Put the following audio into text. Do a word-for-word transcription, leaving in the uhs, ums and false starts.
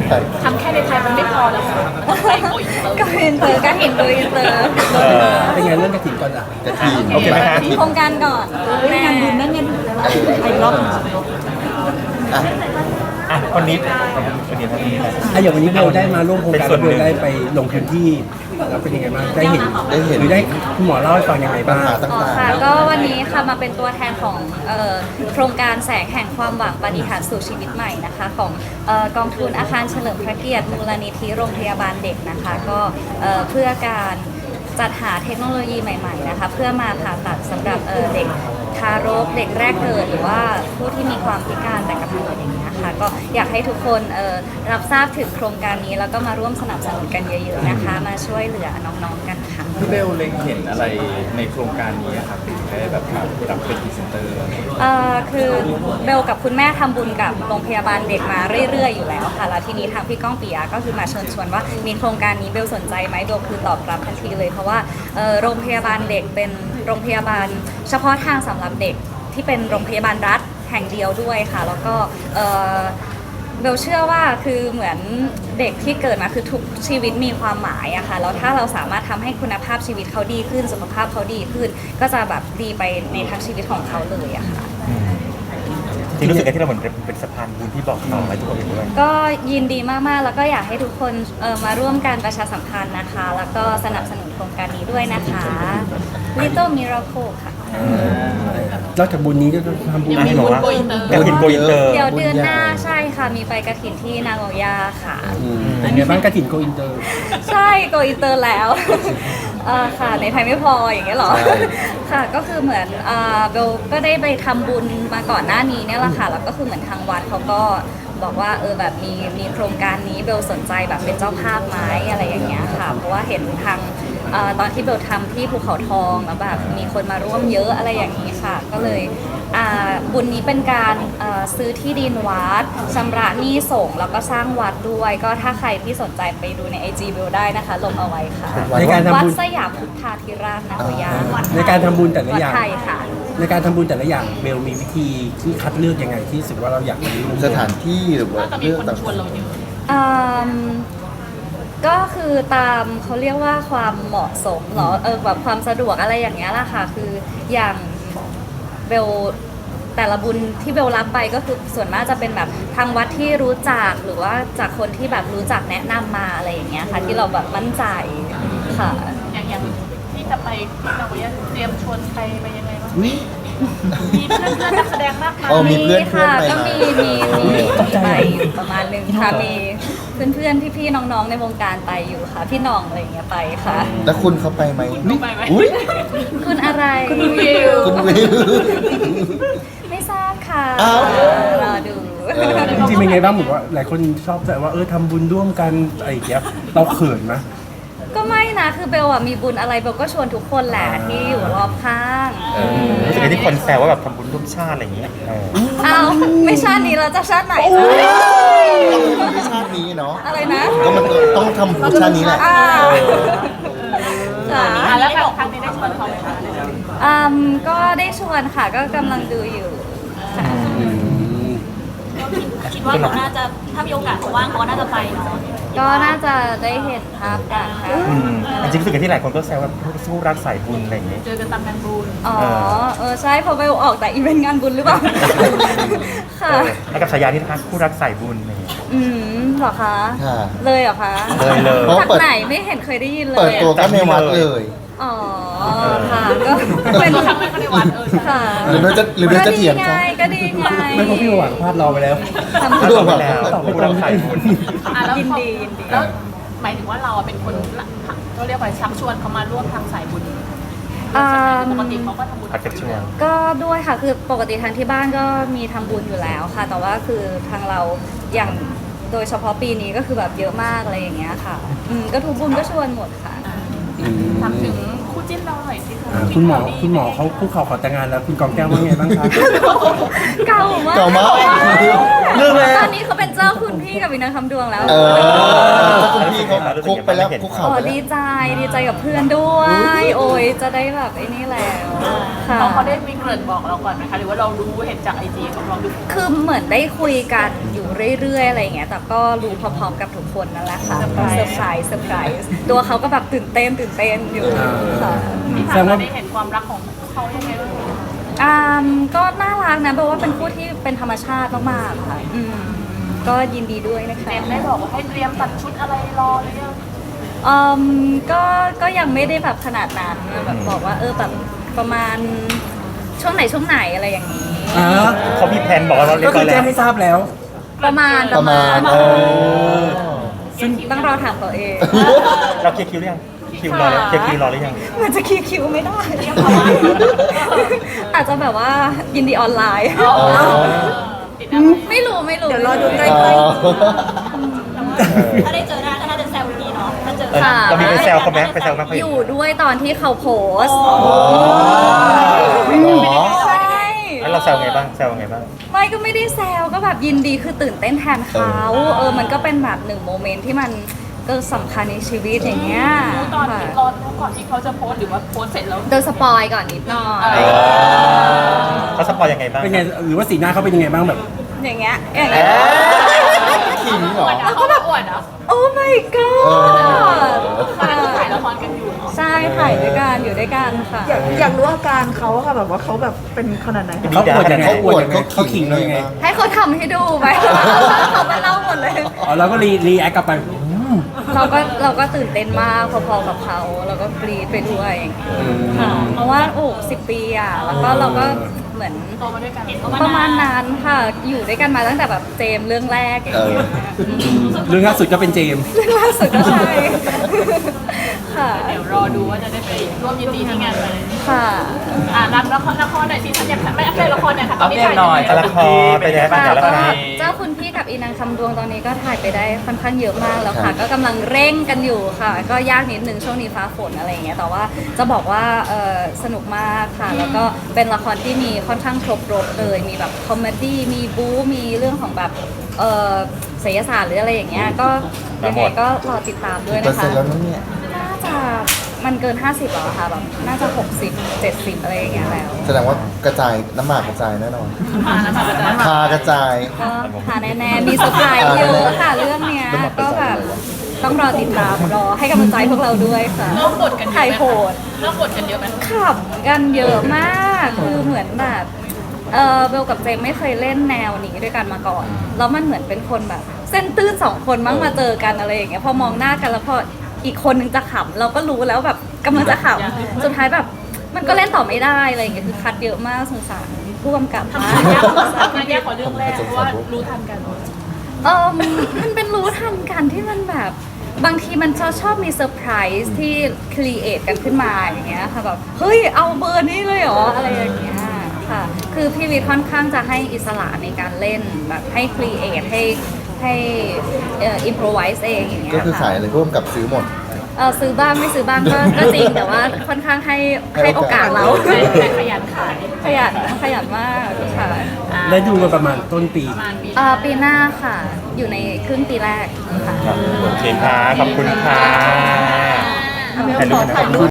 ทำแค่ในไทยมันไม่พอแล้วค่ะไปโกอินเตอร์ก็อินเตอร์ก็เห็นโดยอินเตอร์เป็นไงเรื่องกระถิ่นก่อนอ่ะกระถิ่นโอเคไหมคะโครงการก่อนแม่งานบุญนั่นเงินไปรอบอ่ะอ่ะคนนี้คนนี้ท่านนี้นะอ่ะอย่างวันนี้เบลได้มาร่วมโครงการเบลได้ไปลงพื้นที่แล้วเป็นยังไงบ้างได้เห็นได้เห็นหรือได้คุณหมอเล่าให้ฟังยังไงปัญบ้างหาอ๋อต่างค่ะก็วันนี้ค่ะมาเป็นตัวแทนของเอ่อโครงการแสงแห่งความหวังปฏิหารย์สู่ชีวิตใหม่นะคะของเอ่อกองทุนอาคารเฉลิมพระเกียรติมูลนิธิโรงพยาบาลเด็กนะคะก็เอ่อเพื่อการจัดหาเทคโนโลยีใหม่ๆนะคะเพื่อมาผ่าตัดสำหรับเอ่อเด็กทารกเด็กแรกเกิดหรือว่าผู้ที่มีความพิการแต่กำเนิดอย่างเงี้ยค่ะก็อยากให้ทุกคนเอ่อรับทราบถึงโครงการนี้แล้วก็มาร่วมสนับสนุนกันเยอะๆนะคะมาช่วยเหลือน้องๆกันค่ะพี่เบลเล็งเห็นอะไรในโครงการนี้อะครับถึงได้แบบมารับเป็นพรีเซนเตอร์เอ่อคือเบลกับคุณแม่ทำบุญกับโรงพยาบาลเด็กมาเรื่อยๆอยู่แล้วค่ะแล้วทีนี้ทางพี่ก้องปิยะก็คือมาเชิญชวนว่ามีโครงการนี้เบลสนใจไหมเบลคือตอบรับทันทีเลยเพราะว่าเอ่อโรงพยาบาลเด็กเป็นโรงพยาบาลเฉพาะทางสำหรับเด็กที่เป็นโรงพยาบาลรัฐแห่งเดียวด้วยค่ะแล้วก็เอ่อเบลเชื่อว่าคือเหมือนเด็กที่เกิดมาคือทุกชีวิตมีความหมายอะค่ะแล้วถ้าเราสามารถทำให้คุณภาพชีวิตเขาดีขึ้นสุขภาพเขาดีขึ้น ก็จะแบบดีไปในทั้งชีวิตของเขาเลยอะค่ะจริงรู้สึกไงที่เราเหมือนเป็นสะพานบุญที่บอกต่อไปทุกคนเห็นด้วยก็ยินดีมากๆ แล้วก็อยากให้ทุกคนเอ่อมาร่วมการประชาสัมพันธ์นะคะ แล้วก็สนับสนุนโครงการนี้ด้วยนะคะ Little Miracle ค่ะนอกจากบุญนี้ก็ทำบุญอันนี้บอกว่าโกอินเตอร์อยากเห็นโกอินเตอร์เดี๋ยวเดือนหน้าใช่ค่ะ มีไปกระถินที่นางโอยาค่ะอืมเป็นไงบ้างกระถิ่นโกอินเตอร์ใช่โกอินเตอร์แล้ว เอ่อค่ะในไทยไม่พออย่างเงี้ยเหรอ ค่ะก็คือเหมือนเอ่อเบลก็ได้ไปทำบุญมาก่อนหน้านี้เนี่ยแหละค่ะแล้วก็คือเหมือนทางวัดเขาก็บอกว่าเออแบบมีมีโครงการนี้เบลสนใจแบบเป็นเจ้าภาพไหมอะไรอย่างเงี้ยค่ะเพราะว่าเห็นทางเอ่อตอนที่เบลทำที่ภูเขาทองแล้วแบบมีคนมาร่วมเยอะอะไรอย่างนี้ค่ะ ก็เลยอ่าบุญนี้เป็นการเอ่อซื้อที่ดินวัดชำระหนี้สงฆ์แล้วก็สร้างวัดด้วย ก็ถ้าใครที่สนใจไปดูในไอจีเบลได้นะคะลงเอาไว้ค่ะในการทำวัดบุญสยามพุทธาธิราชนโยาในการทำบุญแต่ละวัดอย่างไทยค่ะในการทำบุญแต่ละอย่างเบลมีวิธีที่คัดเลือกยังไงที่รู้สึกว่าเราอยากไปร่วมๆสถานที่หรือว่าก็มีเรื่องคนต่างชวนเราเยอะอืมก็คือตามเขาเรียกว่าความเหมาะสมเหรอเออแบบความสะดวกอะไรอย่างเงี้ยแหละค่ะคืออย่างเบลแต่ละบุญที่เบลรับไปก็คือส่วนมากจะเป็นแบบทางวัดที่รู้จักหรือว่าจากคนที่แบบรู้จักแนะนำมาอะไรอย่างเงี้ยค่ะที่เราแบบมั่นใจค่ะอย่างอย่างที่จะไปเราอยากเตรียมชวนใครไปยังไงบ้างๆวิมีเพื่อนเพื่อนนักแสดงมากมายอ๋อมีเพื่อนเพื่อนค่ะไปก็มามีมีมีไปอยู่ประมาณหนึงค่ะมีเพื่อนเพื่อนๆพี่ๆน้องๆในวงการไปอยู่ค่ะ พี่หน้องอะไรอย่างเงี้ยไปค่ะแล้วคุณเขาไปไหมคุณไปไหมอุ้ยคุณอะไรคุณวิวคุณวิวไม่ทราบค่ะอ้าวรอดูเออจริงๆเป็นไงบ้างเหมือนว่าหลายคนชอบแต่ว่าเออทำบุญร่วมกันอะไรอย่างเงี้ยเราเขินไหมก็ไม่นะคือเบลอะมีบุญอะไรเบลก็ชวนทุกคนแหละที่อยู่รอบข้างเออรู้สึกไงที่คนแซวว่าแบบทำบุญร่วมชาติอะไรอย่างเงี้ยเออเอาไม่ชาตินี้เราจะชาติไหนนะต้องทำบุญชาตินี้เนาะอะไรนะก็มันต้องทำบุญชาตินี้แหละอ่าค่ะอ่ะแล้วแบบครั้งนี้ได้ชวนเขาไหมคะอืมก็ได้ชวนค่ะก็กำลังดูอยู่ค่ะคิดว่าเขาน่าจะถ้ามีโอกาสเขาว่างเขาก็น่าจะไปเนาะก็น่าจะได้เห็นภาพกันค่ะอืมจริงๆรู้สึกไงที่หลายคนก็แซวว่าสู้รักสายบุญอะไรอย่างเงี้ยเจอกันตามงานบุญอ๋อเออใช่เพอเบลออกแต่อีเวนต์งานบุญหรือเปล่า ค่ะเออแล้วกับฉายาที่นะคะคู่รักสายบุญอะไรอย่างเงี้ยอืมเหรอคะค่ะเลยเหรอคะเลยเลยเพราะจากเปิดไหนไม่เห็นเคยได้ยินเลเปิดยตัวก็ในวัดเลยอ๋อค่ะก็เป็นตัวครั้งแรกก็ในวัดเออใช่ค่ะหรือเบลจะหรือเบลจะเถียงก็ดีคะไงก็ดีไงไม่เพราะพี่หวังพลาดรอไปแล้วทำถ้าบุญตอบไปแล้วคู่รักสายบุญอ่ะแล้วยินเขาดียินดีแล้วหมายถึงว่าเราอะเป็นคนละเขาเรียกว่าชักชวนเขามาร่วมทางสายบุญอ่าปกติเขาก็ทำบุญพักกับช่วงก็ด้วยค่ะคือปกติทางที่บ้านก็มีทำบุญอยู่แล้วค่ะ แต่ว่าคือทางเราอย่างโดยเฉพาะปีนี้ก็คือแบบเยอะมากอะไรอย่างเงี้ยค่ะอืมก็ทุกบุญก็ชวนหมดค่ะทำถึงคู่จิ้นเราหน่อยสิคะอ่าคุณหมอคุณหมอเขาคุกเข่าขอแต่งงานแล้วคุณกองแก้วว่าไงบ้างครับเก่ามากเก่ามากเรื่องแล้วตอนนี้เขาเป็นเจ้าคุณพี่กับวินาคำดวงแล้วเออคุณพี่เขาคุกไปแล้วคุกเข่าอ๋อไปแล้วดีใจดีใจกับเพื่อนด้วย โอ้ยจะได้แบบไอ้นี่แล้วค่ะเขาเขาได้มีเกริ่นบอกเราก่อนไหมคะหรือว่าเรารู้เห็นจากไอจีของเราดูคือเหมือนได้คุยกันอยู่เรื่อยๆอะไรอย่างเงี้ยแต่ก็รู้พร้อมๆกับทุกคนนั่นแหละค่ะก็เซอร์ไพรส์เซอร์ไพรส์ตัวเขาก็แบบตื่นเต้นตื่นเต้นอยู่ค่ะที่ผ่านมาได้เห็นความรักของเขายังไงบ้างอ่าก็น่ารักนะแปลว่าเป็นคู่ที่เป็นธรรมชาติมากๆค่ะอืมก็ยินดีด้วยนะคะเจมส์ได้บอกว่าให้เตรียมตัดชุดอะไรรอหรือยังอืมก็ก็ยังไม่ได้แบบขนาดนั้นแบบบอกว่าเออแบบประมาณช่วงไหนช่วงไหนอะไรอย่างนี้อ่าเขามีแผนบอกว่าเราเรียก็บคืร้ออย แจ้แล้วงให้ทราบแล้วประมาณประมาณ เออซึ่งต้องรอถามตัวเองเราเคลียร์คิวหรือยังคิวรอแล้วเคลียร์คิวรอหรือยังมันจะคิวคิวไม่ได้ อาจจะแบบว่ายินดีออนไลน์ติดอะไรไม่รู้ไม่รู้เดี๋ยวรอดูใกอ๋ล้อถ้าได้เจอหน้าก็น่าจะแซวดีเนาะถ้าเจอเออค่ะเรามีไปแซวเขาไหมไปแซวเขาไหมอยู่ด้วยตอนที่เขาโพสต์หรอใช่แล้วเราแซวไงบ้างแซวไงบ้างไม่ก็ไม่ได้แซวก็แบบยินดีคือตื่นเต้นแทนเขาเออมันก็เป็นแบบหนึ่งโมเมนต์ที่มันก็สำคัญในชีวิตอย่างเงี้ยรู้ตอนค่ะที่รอรู้ก่อนที่เขาจะโพสต์หรือว่าโพสต์เสร็จแล้วโดนสปอยก่อนนิดหน่อยเขาสปอยยังไงบ้างเป็นไงหรือว่าสีหน้าเขาเป็นยังไงบ้างแบบอย่างเงี้ยอย่างเงี้ยขิงเหรอแล้วก็แบบอวดอ่ะโอ้ my god ตอนนั้นก็ถ่ายละครกันอยู่เนาะใช่ถ่ายด้วยกันอยู่ด้วยกันค่ะๆอยากอยากรู้อาการเขาอะค่ะแบบว่าเขาแบบเป็นขนาดไหนเขาอวดยังไงเขาอวดยังไงเขาเขาขิงเรายังไงให้เขาทำให้ดูไป เขามาเล่าหมดเลยอ๋อเราก็รีรีแอคกลับไปอืมเราก็เราก็ตื่นเต้นมากพอๆกับเขาเราก็กรีดไปด้วยค่ะเพราะว่าโอ้สิบปีอ่ะแล้วก็เราก็เหมือนโตมาด้วยกันประมาณนั้นค่ะอยู่ด้วยกันมาตั้งแต่แบบเจมส์เรื่องแรกอย่างเออเงี้ยเรื่องล่าสุดก็เป็นเจมส์เรื่องล่าสุดก็ใช่ค่ะเดี๋ยวรอดูว่าจะได้ไปร่วมยินดีที่งานไหมค่ะอ่ารับละครละครหน่อยสิฉันอยากไม่อัปเดตละครหน่อยค่ะตอนนี้ถ่ายหน่อยละครไปไหนบ้างค่ะแต่ละก็ครเจ้าคุณพี่กับอีนางคำดวงตอนนี้ก็ถ่ายไปได้ค่อนข้างเยอะมากแล้วครัค่ะบก็กำลังเร่งกันอยู่ค่ะ ก็ยากนิดนึงช่วงนี้ฟ้าฝนอะไรอย่างเงี้ยแต่ว่าจะบอกว่าเอ่อสนุกมากค่ะ แล้วก็เป็นละครที่มีค่อนข้างครบรถเลยมีแบบคอมเมดี้มีบู๊มีเรื่องของแบบเอ่อศิลศาสตร์หรืออะไรอย่างเงี้ยก็ยังไงก็รอติดตามด้วยเปอร์นะเซ็นคะต์แล้วมั้งเนี่ยน่าจะมันเกิน ห้าสิบแล้วอะค่ะแบบน่าจะ หกสิบ เจ็ดสิบ อะไรอย่างเงี้ยแล้วแสดงว่ากระจายน้ำหมากกระจายแน่นอนอ่านะคะอาจารย์พากระจายก็หาแน่ๆมีเซอร์ไพรส์เยอะค่ะเรื่องเนี้ยก็แบบต้องรอติดตามรอให้กำลังใจพวกเราด้วยค่ะเริ่มบทกันเยถ่ายอะโหดเริ่มบทกันเยอะไหมขำกันเยอะมากคือเหมือนแบบเออเบลกับเจมไม่เคยเล่นแนวนี้ด้วยกันมาก่อน แล้วมันเหมือนเป็นคนแบบ เส้นตื้นสองคนมั้งมาเจอกันอะไรอย่างเงี้ยพอมองหน้ากันแล้วพออีกคนนึงจะขำเราก็รู้แล้วแบบกำลังจะขำสุดท้ายแบบมันก็เล่นต่อไม่ได้อะไรอย่างเงี้ยคือคัดเยอะมากสงสารผู้กำกับมากทำยากทำยากกว่าเรื่องแรกเพราะว่ารู้ทันกันเออมันเป็นรู้ทันกันที่มันแบบบางทีมันจะชอบมีเซอร์ไพรส์ที่ครีเอทกันขึ้นมาอย่างเงี้ยค่ะแบบเฮ้ยเอาเบอร์นี้เลยเหรออะไรอย่างเงี้ยค่ะคือพี่วิทย์ค่อนข้างจะให้อิสระในการเล่นแบบให้ครีเอทให้ให้เอ่ออิมพรไวส์เองอย่างเงี้ยก็คือขายค่ะอะไรร่วมกับซื้อหมดเออซื้อบ้างไม่ซื้อบ้างก็ก็จริงแต่ว่าค่อนข้างให้ให้โอกาสเราแต่แต่ขยันขายขยันขยันมากค่ะได้ดูกันประมาณต้นปีประมาณปีเอ่อปีหน้าค่ะ อยู่ในครึ่งปีแรกค่ะโอเคค่ะขอบคุณค่ะอ่ะเบลขอถ่ายรูป